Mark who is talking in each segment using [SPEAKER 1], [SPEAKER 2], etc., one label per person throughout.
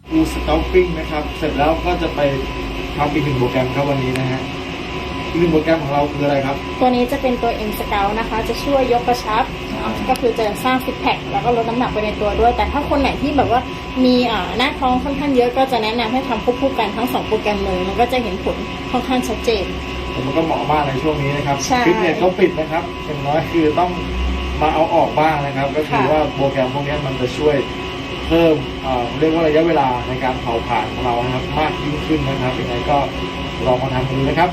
[SPEAKER 1] กูสเกลปิ้งนะครับเสร็จแล้วก็จะไปทำอีกหนึ่งโปรแกรมครับวันนี้นะฮะอีกหนึ่งโปรแกรมของเราคืออะไรครับ
[SPEAKER 2] ตัวนี้จะเป็นตัว M Scout นะคะจะช่วยยกกระชับก็คือจะสร้างซิกแพคแล้วก็ลดน้ำหนักไปในตัวด้วยแต่ถ้าคนไหนที่แบบว่ามีหน้าท้องค่อนข้างเยอะก็จะแนะนำให้ทำควบคู่กันทั้ง2โปรแกรมเลยมันก็จะเห็นผลค่อนข้างชัดเจน
[SPEAKER 1] มันก็เหมาะมากในช่วงนี้นะครับ
[SPEAKER 2] ฟิ
[SPEAKER 1] ตเนสเขาปิดนะครับอย่างน้อยคือต้องมาเอาออกบ้างนะครับก็คือว่าโปรแกรมพวกนี้มันจะช่วยเพิ่มเรียกว่าระยะเวลาในการเผาผลาญของเรานะครับมากยิ่งขึ้นนะครับยังไงก็ลองมาทำดูนะครับ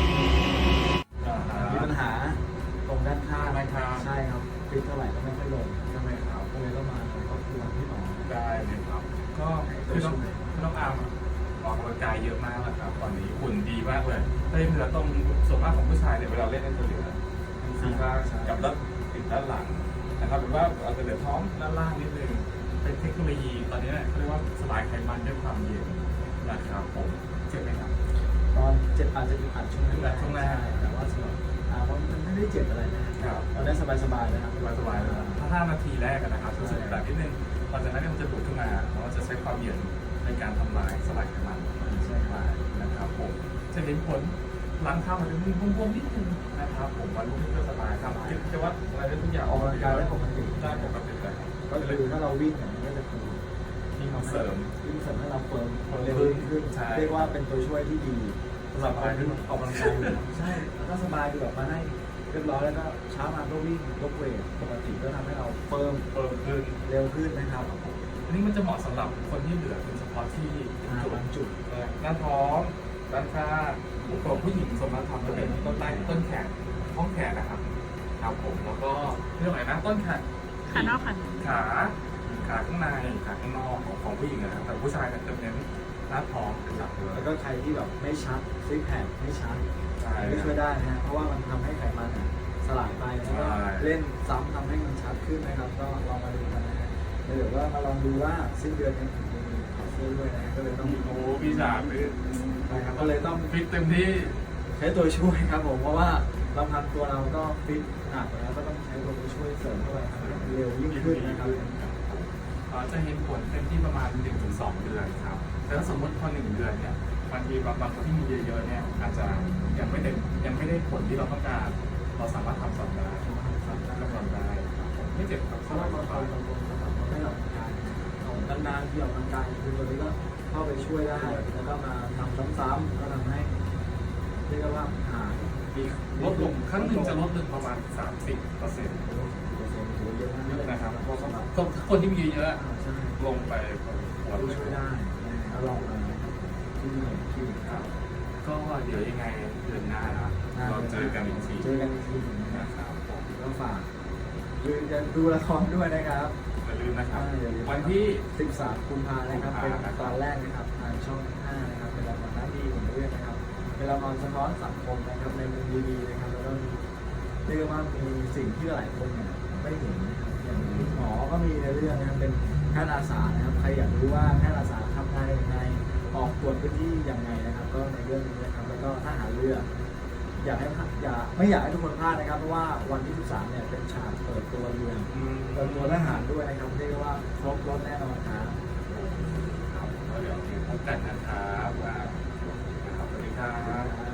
[SPEAKER 3] มีปัญหาตรงด้านข้างใช่ครับฟิตเท่าไหร่ก็ไม่ค่อยลงใช่ไหมครับก็เลยต้องมาก็คือวันที่2
[SPEAKER 4] ได้เลยครับก็ต้องอาร์มออกกำลังกายเยอะมากนะครับตอนนี้หุ่นดีมากเลยได้เหนือตรงส่วนมากของผู้ชายเนี่ยเวลาเล่นจะเหลือซีซ่ากับด้านติดด้านหลังนะครับหรือว่าอาจจะเหลือท้องด้านล่างนิดนึงเป็นเทคโนโลยีตอนนี้เขาเรียกว่าสลายไขมันด้วยความเย็นนะครับผมเจ็บไหมครับ
[SPEAKER 3] ตอนเจ็บอาจจะมีอัดช่วงแรกแต่ว่าสำหรับว่ามันไม่ได้เจ็บอะไรนะครับเราได้สบายๆนะครับ
[SPEAKER 4] สบายเลยถ้า5 นาทีแรกนะครับรู้สึกแบบนิดนึงหลังจากนั้นมันจะดูดขึ้นมาแล้วจะใช้ความเย็นในการทำลายสลายไขมันใช่ไหมนะครับผมจะเห็นผลหลังเข้ามันจะมีบวมๆนิดนึงนะครับผมวันรุ่งขึ้นก็สบายครับกิจวัตรอะไรได้ทุกอย่าง
[SPEAKER 3] ออกกำลังกายได้ปกติ
[SPEAKER 4] เลย
[SPEAKER 3] ก็คือถ้าเราวิ่งอย่างนี้ก็จะคือ
[SPEAKER 4] วิ่งเสริม
[SPEAKER 3] ให้เราเฟิร์มเร็วขึ้นเรียกว่าเป็นตัวช่วยที่ดีสำหรับการที่ออกกำลังกายใช่แล้วก็สบายดีแบบมาให้เรียบร้อยแล้วก็เช้ามาก็วิ่งยกเวทปกติก็ทำให้เราเฟิร์ม
[SPEAKER 4] ขึ้น
[SPEAKER 3] เร็วขึ้นนะครับ
[SPEAKER 4] อันนี้มันจะเหมาะสำหรับคนที่เหลือเป็นเฉพาะที่
[SPEAKER 3] บางจุด
[SPEAKER 4] หน้าท้องด้านข้างตัวผู้หญิงสมมติทำจะเป็นต้นใต้ต้นแขนท้องแขนนะครับครับผมแล้วก็เรื่องอะไรนะต้นแขน
[SPEAKER 2] ขานอก
[SPEAKER 4] ขาข้างในขาข้างนอกของผู้หญิงนะครับแต่ผู้ชายจะเน้นหน้าท้องเป็นหลักเลย
[SPEAKER 3] แล้วก็ใครที่แบบไม่ชัดซิกแพคไม่ชัดไม่ช่วยได้นะเพราะว่ามันทำให้ไขมันสลายไปแล้วก็เล่นซ้ำทำให้มันชัดขึ้นนะครับก็ลองมาดูกันนะฮะเดี๋ยวว่ามาลองดูว่าสิ้นเดือนนี้มีคอร์สด้วยนะก็เลยต้อง
[SPEAKER 4] พี่สามเลย
[SPEAKER 3] นะครับก็เลยต้อง
[SPEAKER 4] ฟิตเต็มที่
[SPEAKER 3] ใช้ตัวช่วยครับผมเพราะว่าลำพังตัวเราก็ฟิตหนักแล้วก็ต้องใช้ตัวช่วยเสริมเข้าไปเร็วยิ่งขึ้นนะครับ
[SPEAKER 4] จะเห็นผลเต็มที่ประมาณ 1-2 เดือนครับแต่ถ้าสมมติพอ1 เดือนเนี่ยบางทีบางคนที่มีเยอะๆเนี่ยอาจจะยังไม่ได้ผลที่เราต้องการเราสามารถทำซ้ำได้กำลังได้ไม่เจ็บครับ
[SPEAKER 3] เพราะว่าเราทำให้เรานานๆที่ออกกำลังกายคือตัวนี้ก็เข้าไปช่วยได้แล้วก็มาทำซ้ำๆก็ทำให้เรียกว่า
[SPEAKER 4] ลดลงครั้งหนึ่งจะลดลงประมาณ 30%นะครับเพราะคนที่มีเยอะลงไป
[SPEAKER 3] หัวช่วยได้ลองมาที่
[SPEAKER 4] ครับก็เดี๋ยวยังไงเดือนหน้าเราเจอกันอีกที
[SPEAKER 3] นะครับก็ฝากดูละครด้วยนะครับ
[SPEAKER 4] อย่าลืมนะครับวันที่
[SPEAKER 3] 13 กุมภาพันธ์นะครับเป็นตอนแรกนะครับทางช่อง 5นะครับเป็นละครน้ำดีของเรื่องนะครับเป็นละครสะท้อนสังคมนะครับในมุมดีๆนะครับแล้วก็เรียกว่ามีสิ่งที่หลายคนไม่เห็นนะครับอย่างหมอก็มีในเรื่องนะครับเป็นแพทย์อาสานะครับใครอยากรู้ว่าแพทย์อาสาทำงานยังไงออกตรวจพื้นที่ยังไงนะครับก็ในเรื่องนี้นะครับแล้วก็ทหารเรือไม่อยากให้ทุกคนพลาดนะครับเพราะว่าวันที่ 13เนี่ยเป็นฉากเปิดตัวเรือเปิดตัวทหารด้วยนะครับเรียกว่าครบรถแน่นอนครับ
[SPEAKER 4] เดี๋ยวพบกันนะครับสวัสดีครับ